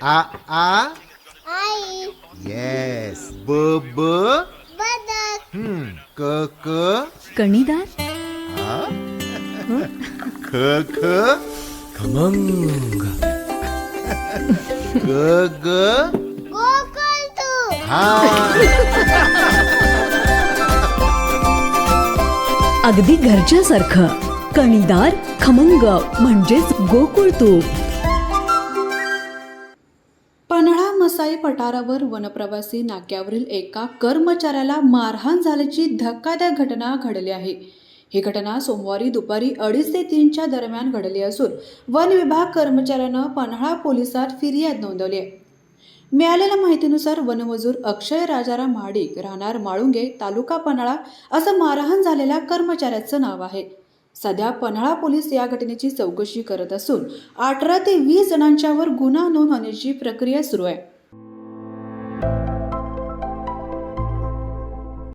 आ आ आई. Yes. ब ब बदक. क क कणीदार. आ ख ख खमंग. ग ग गोकुळ तू. हा. अगदी घरच्यासारखं. कणीदार खमंग म्हणजेच गोकुळ तूप. पन्हाळा मसाई पठारावर वनप्रवासी नाक्यावरील एका कर्मचाऱ्याला मारहाण झाल्याची धक्कादायक घटना घडली आहे. ही घटना सोमवारी दुपारी 2:30 ते 3च्या दरम्यान घडली असून वन विभाग कर्मचाऱ्यानं पन्हाळा पोलिसात फिर्याद नोंदवली आहे. मिळालेल्या माहितीनुसार वनमजूर अक्षय राजाराम महाडिक राहणार माळुंगे तालुका पन्हाळा असं मारहाण झालेल्या कर्मचाऱ्याचं नाव आहे. सध्या पन्हाळा पोलीस या घटनेची चौकशी करत असून 18 ते 20 जणांच्यावर गुन्हा नोंद होण्याची प्रक्रिया सुरू आहे.